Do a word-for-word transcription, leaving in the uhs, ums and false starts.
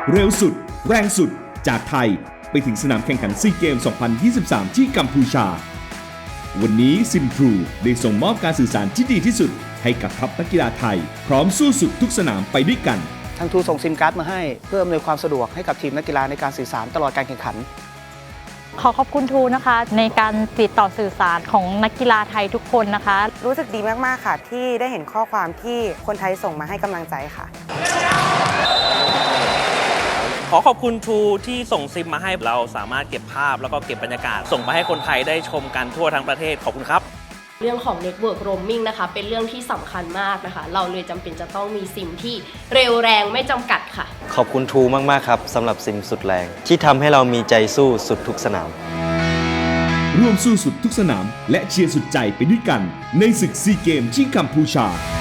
เร็วสุดแรงสุดจากไทยไปถึงสนามแข่งขันซีเกม สองพันยี่สิบสาม ที่กัมพูชาวันนี้ซิมทรูได้ส่งมอบการสื่อสารที่ดีที่สุดให้กับทัพนักกีฬาไทยพร้อมสู้สุดทุกสนามไปด้วยกันทางทรูส่งซิมการ์ดมาให้เพื่ออำนวยความสะดวกให้กับทีมนักกีฬาในการสื่อสารตลอดการแข่งขันขอขอบคุณทรูนะคะในการติดต่อสื่อสารของนักกีฬาไทยทุกคนนะคะรู้สึกดีมากๆค่ะที่ได้เห็นข้อความที่คนไทยส่งมาให้กำลังใจค่ะขอขอบคุณทรูที่ส่งซิมมาให้เราสามารถเก็บภาพแล้วก็เก็บบรรยากาศส่งไปให้คนไทยได้ชมกันทั่วทั้งประเทศขอบคุณครับเรื่องของ Network Roaming นะคะเป็นเรื่องที่สำคัญมากนะคะเราเลยจำเป็นจะต้องมีซิมที่เร็วแรงไม่จำกัดค่ะขอบคุณทรูมากๆครับสำหรับซิมสุดแรงที่ทำให้เรามีใจสู้สุดทุกสนามร่วมสู้สุดทุกสนามและเชียร์สุดใจไปด้วยกันในศึกซีเกมที่กัมพูชา